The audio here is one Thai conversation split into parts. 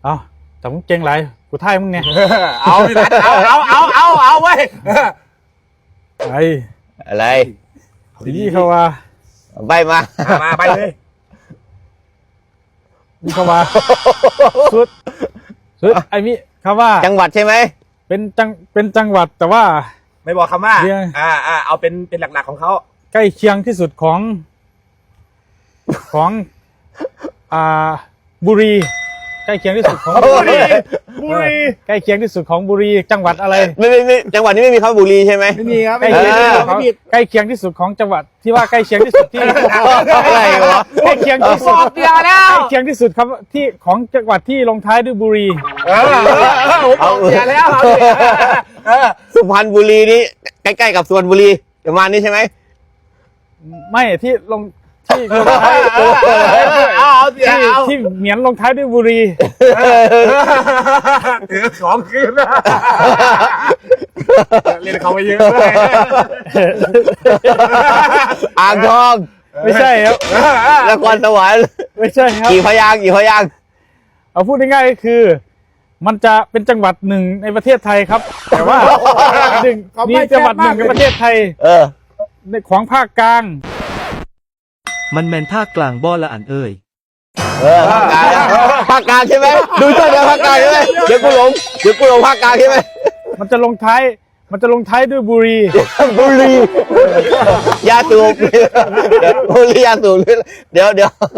เอาแต่มึงเก่งไรกูท่ายมึงเนี่ยเอาพี่นัทเอาเว้ยไอ้อะไรทีนี้เขาว่าใบมามาไปเลยนี่เขาว่าสุดไอ้มิเขาว่าจังหวัดใช่ไหมเป็นจังหวัดแต่ว่าไม่บอกคำว่าเรียงเอาเป็นหลักๆของเขาใกล้เคียงที่สุดของบุรีใกล้เคียงที่สุดของบุรีใกล้เคียงที่สุดของบุรีจังหวัดอะไรไม่จังหวัดนี้ไม่มีคำว่าบุรีใช่ไหมไม่มีครับใกล้ไม่เคียงมีที่สุดไม่ผิดใกล้เคียงที่สุดของจังหวัดที่ว่าใกล้เคียงที่สุดที่อะไรวะใกล้เคียงที่สุดบอกเดียวแล้วใกล้เคียงที่สุดครับที่ของจังหวัดที่ลงท้ายด้วยบุรีผมบอกเดียวแล้วเอาดิสุพรรณบุรีนี่ใกล้ๆกับสุพรรณบุรีประมาณนี้ใช่ไหมไม่ที่ลงท้ายเอาเดียวเอาที่เหมียนลงท้ายด้วยบุรีถือของคืนเล่นเขาไปเยอะเลยอ่างทองไม่ใช่ครับนครสวรรค์ไม่ใช่ครับกี่พยางค์กี่พยางค์เอาพูดง่ายๆก็คือ มันจะเป็นจังหวัดหนึ่งในประเทศไทยครับ แต่ว่าหนึ่งมีจังหวัดหนึ่งในประเทศไทย ในของภาคกลางมันแมนภาคกลางบ่อละอันเอ่ยภาคกลางใช่ไหมดูเจ้าเดียวภาคกลางใช่ไหมเดี๋ยวกูหลงภาคกลางใช่ไหมมันจะลงท้ายด้วยบุรีบุรียาสูบบุรียาสูบเดี๋ยว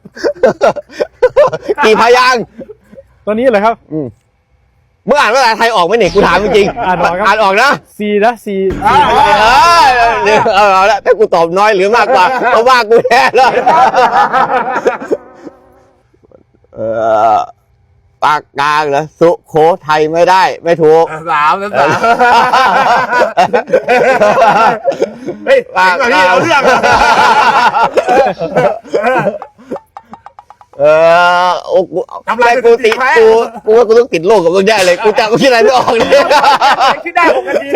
กี่พยางค์ตัวนี้เหรอครับมึงอ่านภาษาไทยออกไหมเนี่ยกูถามจริงอ่านออกครับอ่านออกนะสี่นะสี่เอาละถ้ากูตอบน้อยหรือมากกว่าก็ว่ากูแน่เลยภาคกลางเหรอสุโขทัยไม่ได้ไม่ถูกสามเฮ้ยพี่เอาเรื่องโอ้กูทำลายกูสถิติติดไหมกูว่ากูต้องติดโรคกับมึงได้เลยกูจำกูคิดอะไรไม่ออกเลยคิดได้6 นาที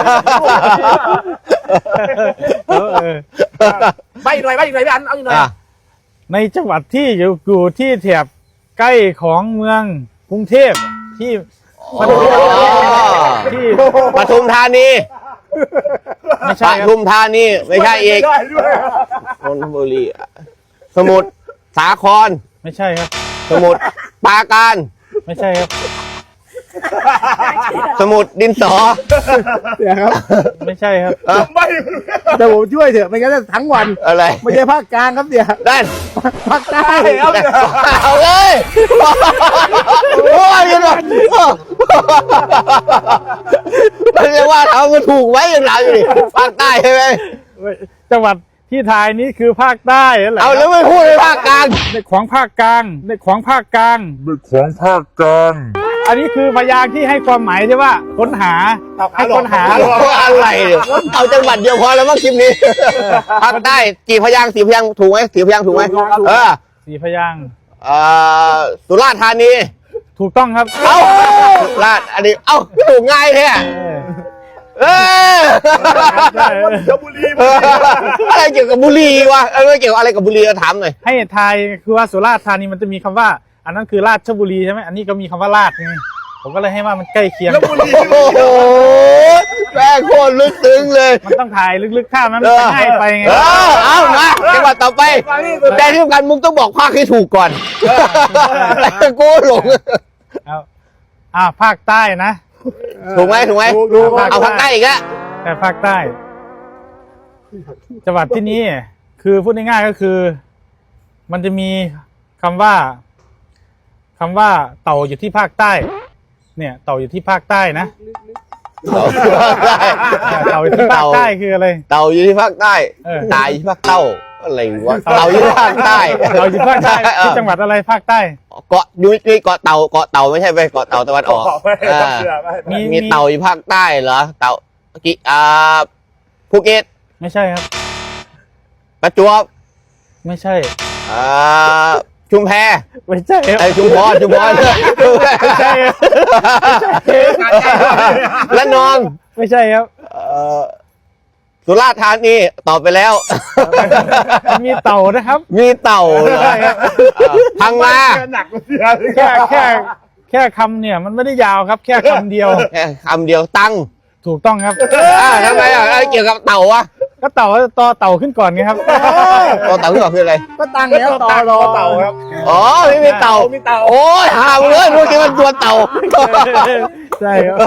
ใบอีกหน่อยพี่อันเอาอีกหน่อยในจังหวัดที่อยู่ที่แถบใกล้ของเมืองกรุงเทพที่ที่ปทุมธานีไม่ปใช่ครับทุมธานีไม่ใช่อีกได้ด้วยนนทบุรีสมุทรสาครไม่ใช่ครับสมุทรปราการไม่ใช่ครับสมุทรดินสอเดี๋ยวครับไม่ใช่ครับไม่แต่ผมช่วยเถอะไม่งั้นจะทั้งวันอะไรไม่ใช่ภาคกลางครับเดี๋ยวด้านภาคใต้เอาเลยโอ้ยยังไงมันจะว่าเอามาถูกไว้อย่างไรอยู่ดิภาคใต้ใช่ไหมจังหวัดที่ทายนี้คือภาคใต้นั่นแหละเอาแล้วไม่พูดในภาคกลางในของภาคกลางอันนี้คือพยางค์ที่ให้ความหมายใช่ว่าค้นหาให้ค้นหาอะไรเนี่ยเอาจังหวัดเดียวพอแล้วมั้งคลิปนี้ภาคใต้กี่พยางค์4 พยางค์ถูกไหม4 พยางค์ถูกไหมสี่พยางค์สุราษฎร์ธานีถูกต้องครับเอ้าราชอันนี้เอ้าถูกง่ายแท้อะไรเกี่ยวกับบุรีวะไม่เกี่ยวอะไรกับบุรีถามหน่อยให้ทายคือว่าสุราษฎร์ธานีมันจะมีคำว่า อันนั้นคือราชบุรีใช่ไหมอันนี้ก็มีคำว่าราชไงผมก็เลยให้ว่ามันใกล้เคียงโอ้โหแม่โคตรลึกซึ้งเลยมันต้องถ่ายลึกๆข้ามนั้นมันจะง่ายไปไงเอามาจังหวัดต่อไปแต่ที่สำคัญมึงต้องบอกภาคให้ถูกก่อนกูหลงเอาภาคใต้นะถูกไหมเอาภาคใต้อีกแล้วแต่ภาคใต้ จังหวัดที่นี้คือพูดง่ายๆก็คือ มันจะมีคำว่าเต่าอยู่ที่ภาคใต้ เนี่ยเต่าอยู่ที่ภาคใต้นะเต่าอยู่ที่ภาคใต้คืออะไรเต่าอยู่ที่ภาคใต้ตายที่ภาคเต้าอะไรวะเต่าอยู่ที่ภาคใต้เต่าอยู่ภาคใต้ที่จังหวัดอะไรภาคใต้เกาะยุ้ยเกาะเต่าไม่ใช่ไปเกาะเต่าตะวันออกมีเต่าอยู่ภาคใต้เหรอเต่าภูเก็ตไม่ใช่ครับประจวบไม่ใช่ชุมแพไม่ใช่ครับไอ้ชุมพรไม่ใช่ครับและนองไม่ใช่ครับสุราษฎร์ธานีตอบไปแล้วมีเต่านะครับมีเต่าเหรอพังงาหนักกว่าเสียแค่แค่คำเนี่ยมันไม่ได้ยาวครับ แค่คำเดียวแค่คำเดียวตั้งถูกต้องครับทำไมอ่ะอะไรเกี่ยวกับเต่าวะก็เต่าต่อเต่าขึ้นก่อนไงครับตัวเต่าที่บอกคืออะไรก็ตั้งแล้วต่อรอเต่าครับอ๋อไม่มีเต่ามีเต่าโอ้ยหามเลยรู้ที่มันตัวเต่าใช่ครับ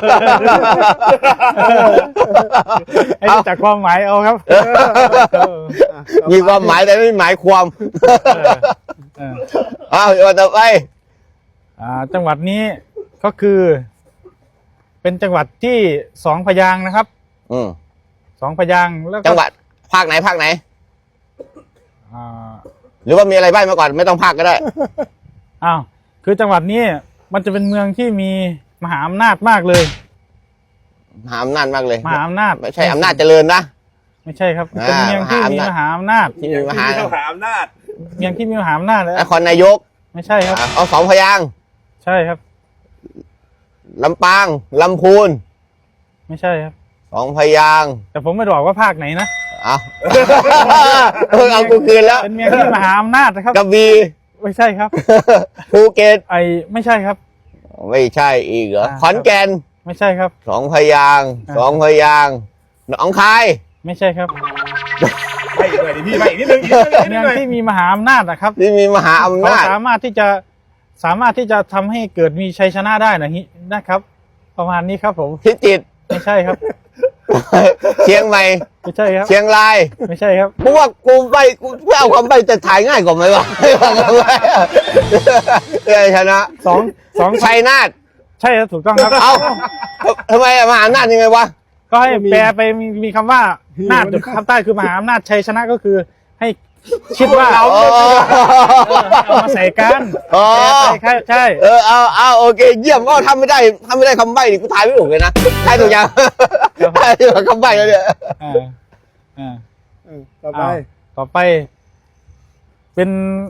ให้รู้จักความหมายเอาครับมีความหมายแต่ไม่หมายความเอออ้าวต่อไปจังหวัดนี้ก็คือ เป็นจังหวัดที่สองพยางค์นะครับอืมสองพยางค์แล้วก็จังหวัดภาคไหนภาคไหนอ่าหรือว่ามีอะไรบ้างมาก่อนไม่ต้องภาคก็ได้อ้าวคือจังหวัดนี้มันจะเป็นเมืองที่มีมหาอำนาจมากเลยมหาอำนาจมากเลยมหาอำนาจไม่ใช่อำนาจเจริญนะไม่ใช่ครับเป็นเมืองที่มีมหาอำนาจที่มีมหาที่มหาอำนาจเมืองที่มีมหาอำนาจแล้วนครนายกไม่ใช่ครับเอาสองพยางค์ใช่ครับลำปางลำพูนไม่ใช่ครับสองพยางค์แต่ผมไม่ได้บอกว่าภาคไหนนะเอา เอากูคืนแล้วเป็นเมืองที่มหาอำนาจนะครับกระบี่ไม่ใช่ครับภูเก็ตไม่ใช่ครับไม่ใช่อีกเหรออ่าขอนแก่นไม่ใช่ครับสองพยางค์สองพยางค์หนองคายไม่ใช่ครับไปอีกหน่อยดิพี่ไปอีกนิดนึงอีกนิดนึงเมืองที่มีมหาอำนาจนะครับที่มีมหาอำเขานาจสามารถที่จะทำให้เกิดมีชัยชนะได้นะครับ ประมาณนี้ครับผมพิจิตรไม่ใช่ครับเชียงใหม่ไม่ใช่ครับเชียงรายไม่ใช่ครับกูว่ากูไม่เอาคำใบจะถ่ายง่ายกว่าไหมวะไม่เอาคำใบ้ชนะสองชัยนาทใช่ครับถูกต้องครับเอาทำไมมหาอำนาจยังไงวะก็ให้แปลไปมีคำว่านาจอยู่คำใต้คือมหาอำนาจชัยชนะก็คือ ให้คิดว่าอ๋อเอามาใส่กันอ๋อแปลไปใช่เอาโอเคเยี่ยมก็ทำไม่ได้คำใบ้ดิกูทายไม่ถูกเลยนะทายถูกยังทายถูกคำใบ้แล้วเนี่ยอ่าอ่าต่อไปต่อไป เป็น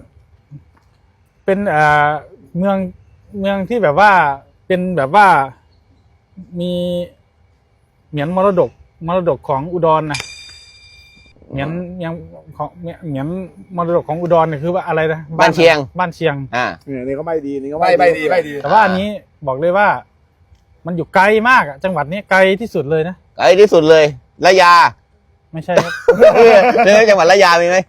เมืองที่แบบว่าเป็นแบบว่ามีเหมือนมรดกของอุดรนะเหมือนมรดกของอุดรเนี่ยคือว่าอะไรนะบ้านเชียงบ้านเชียงเนี่ยนี่ก็ไม่ดีนี่ก็ใบดีใบดีแต่ว่าอันนี้บอกเลยว่า มันอยู่ไกลมากอะจังหวัดนี้ไกลที่สุดเลยนะไกลที่สุดเลยระยาไม่ใช่ครับจังหวัดระยามีไหม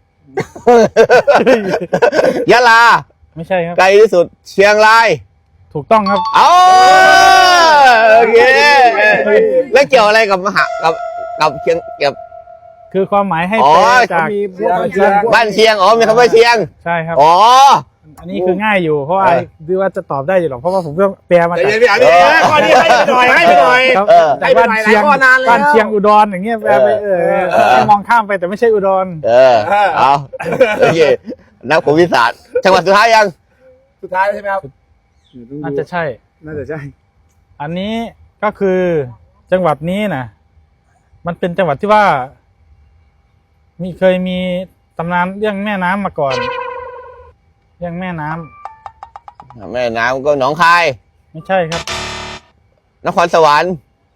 ยะลาไม่ใช่ครับไกลที่สุดเชียงรายถูกต้องครับเอาโอเคแล้วเกี่ยวอะไรกับกับเชียงกับคือความหมายให้อ๋อแปลจากมีพวกบ้านเชียงบ้านเชียงอ๋อมีคำว่าเชียงใช่ครับอ๋ออันนี้คือง่ายอยู่เพราะว่าดูว่าจะตอบได้อยู่หรอกเพราะว่าผมก็แปลมาใจจากเย็นพี่อันนี้ข้อนี้ให้ไปหน่อยให้ไปหน่อยครับให้จากไปบ้านหน่อยหลาเชียยงข้อนานแล้วบ้านเชียงอุดรอย่างเงี้ยแปลไปให้มองข้ามไปแต่ไม่ใช่อุดรเอาโอเคนักภูมิศาสตร์จังหวัดสุดท้ายยังสุดท้ายใช่ไหมครับน่าจะใช่น่าจะใช่อันนี้ก็คือจังหวัดนี้นะมันเป็นจังหวัดที่ว่าเคยมีตำนานเรื่องแม่น้ำมาก่อนเรื่องแม่น้ำแม่น้ำก็หนองคายไม่ใช่ครับนครสวรรค์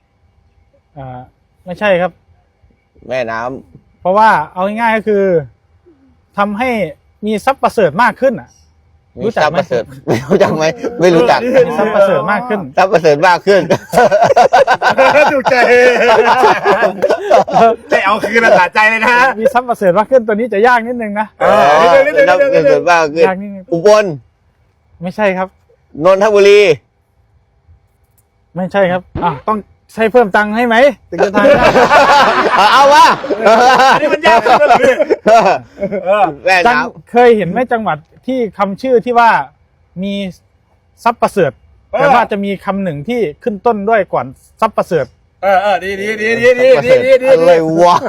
ไม่ใช่ครับแม่น้ำเพราะว่าเอาง่ายๆก็คือทำให้มีทรัพย์ประเสริฐมากขึ้นอ่ะ รู้จักไหมทพย์ประเสริฐไม่รู้จักไหมไม่รู้จักมีทรัพย์ประเสริฐมากขึ้นทรัพย์ประเสริฐมากขึ้นถูกใจใจเอาคืนสะใจเลยนะมีทรัพย์ประเสริฐมากขึ้นตัวนี้จะยากนิดนึงนะทรัพย์ประเสริฐมากขึ้นยากนิดนึงอุบลไม่ใช่ครับนนทบุรีไม่ใช่ครับต้องใช้เพิ่มตังค์ให้ไหมถึงจะทายได้เอาวะอันนี้มันยากขึ้นแล้วเหรอพี่แม่น้เคยเห็นไหมจังหวัดที่คำชื่อที่ว่ามีทรัพย์ประเสริฐแต่ว่าจะมีคำหนึ่งที่ขึ้นต้นด้วยก่อนทรัพย์ประเสริฐดีำอะไรวะ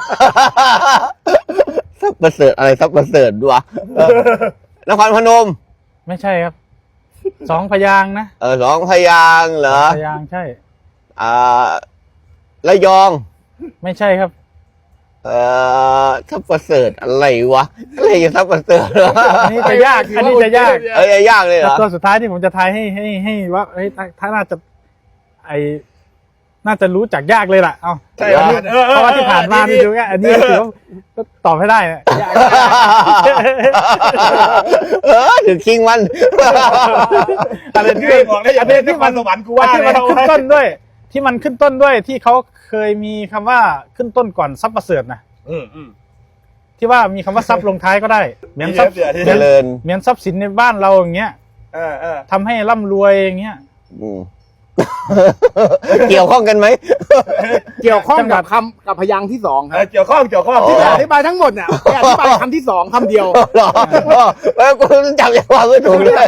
ทรัพย์ประเสริฐอะไรทรัพย์ประเสริฐวะนครพนมไม่ใช่ครับสองพยางค์นะสองพยางค์เหรอพยางค์ใช่ระยองไม่ใช่ครับทรัพย์ประเสริฐอะไรวะอะไรจะทรัพย์ประเสริฐอันนี้จะยากอันนี้จะยากยากเลยเหรอตัวสุดท้ายที่ผมจะทายให้ว่าถ้าน่าจะน่าจะรู้จักยากเลยล่ะเอาใช่เพราะว่าที่ผ่านมานี่ดูง่ายอันนี้ถือว่าก็ตอบไม่ได้นะถึงคิงมันอะไรที่ที่บอกแล้วอย่าเป็นที่มันสวรรค์กูว่าที่มันแล้วขึ้นต้นด้วย ที่มันขึ้นต้นด้วยที่เขาเคยมีคำว่าขึ้นต้นก่อนทรัพย์ประเสริฐนะอืมที่ว่ามีคำว่าทรัพย์ลงท้ายก็ได้เหมือนทรัพย์เจริญเหมือนทรัพย์สินในบ้านเราอย่างเงี้ย ทำให้ร่ำรวยอย่างเงี้ยอืม เกี่ยวข้องกันไหมเกี่ยวข้องกับพยางค์ที่สองครับเกี่ยวข้องที่อธิบายทั้งหมดเนี่ยแค่อธิบายคำที่สองคำเดียวหรอกูจำใจความไม่ถูกเลย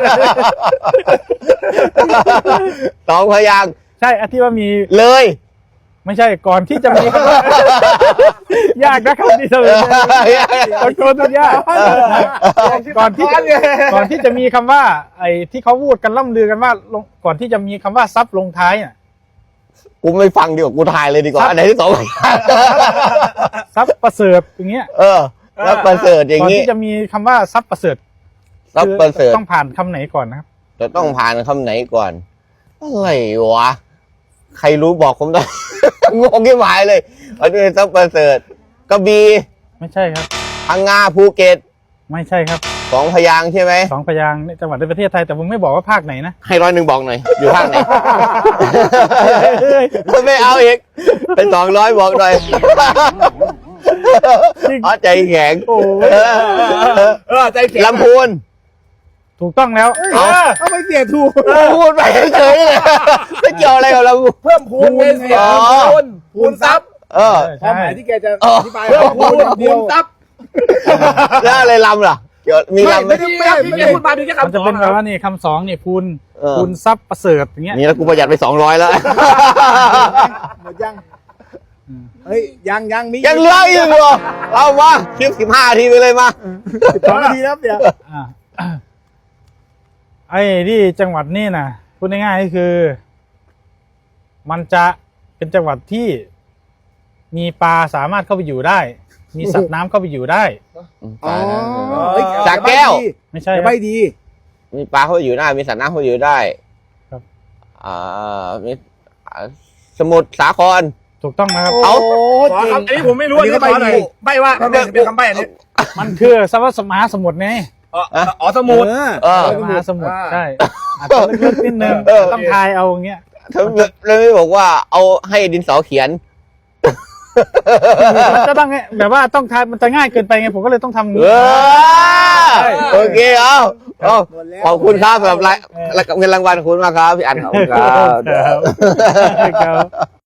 สองพยางค์ใช่อันที่ว่ามีเลยไม่ใช่ก่อนที่จะมีคำว่า ยากนะคำที่จะตะโกนตัวยากก่อนที่จะมีคำว่า ไอ้ที่เขาพูดกันล่ำลือกันว่าก่อนที่จะมีคำว่าทรัพย์ลงท้ายน่ะกูไม่ฟังดีกว่ากูถ่ายเลยดีกว่าอันไหนที่สองพยางค์ทรัพย์ประเสริฐอย่างเงี้ยแล้วประเสริฐอย่างก่อนนี้ที่จะมีคำว่าทรัพย์ประเสริฐแล้วประเสริฐต้องผ่านคำไหนก่อนนะครับจะต้องผ่านคำไหนก่อน อะไรวะ ใครรู้บอกผมได้ งงที่หมายเลยอันนี้ต้องประเสริฐกระบี่ไม่ใช่ครับพังงาภูเก็ตไม่ใช่ครับสองพยางค์ใช่ไหมสองพยางค์ในจังหวัดในประเทศไทยแต่ผมไม่บอกว่าภาคไหนนะให้100บอกหน่อย อยู่ภาคไหน ไม่เอาอีก เป็น200บอกหน่อยอ๋อใจแข็งโอ้ยใจแข็งลำพูนถูกต้องแล้วเอาไม่เสียถูกพูดไปเฉยๆเลยไม่เกี่ยวอะไรกับลำพูนเพิ่มพูนเงินเสียพูนทรัพย์ความหมายที่แกจะอธิบายเพิ่มพูพูดนอย่างเดีพูยวนทรัพย์แล้วอะไรลำล่ะเกี่ยวมีลำไหมไม่พูดมาดูแค่มันคำจะเป็นแบบว่านี่คำสองนี่พูนพูนทรัพย์ประเสริฐอย่างเงี้ยนี่แล้วกูประหยัดไป200แล้วหมดยังเฮ้ยยังมียังเหลืออีกเหรอเอามาคลิป15 ทีไปเลยมา 12 นาทีแล้วเดี๋ยวอ่า ไอ้ที่จังหวัดนี่นะพูดง่ายๆก็คือ มันจะเป็นจังหวัดที่มีปลาสามารถเข้าไปอยู่ได้ มีสัตว์น้ำเข้าไปอยู่ได้จากแก้วไม่ใช่จะคไม่รับดีมีปลาเข้าไปอยู่ได้ มีสัตว์น้ำเข้าไปอยู่ได้ครับมีสมุทรสาครถูกต้องนะครับเอาขอคำอันนี้ผมไม่รู้อันนี้ขอหน่อยใบว่าเป็นคำใบอันนี้มันคือสวัสดิ์มหาสมุทรไงอ๋อสมุดมหาสมุทรใช่อาจจะลึกๆนิดนึงต้องทายเอาอย่างเงี้ยถ้าเราไม่บอกว่าเอาให้ดินสอเขียนมันก็ต้องแบบว่าต้องทายมันจะง่ายเกินไปไงผมก็เลยต้องทำอย่างเอนี้โอเคเอาหมดแล้วขอบคุณครับสำหรับเงินรางวัลขอบคุณมากครับพี่อันขอบคุณครับครับ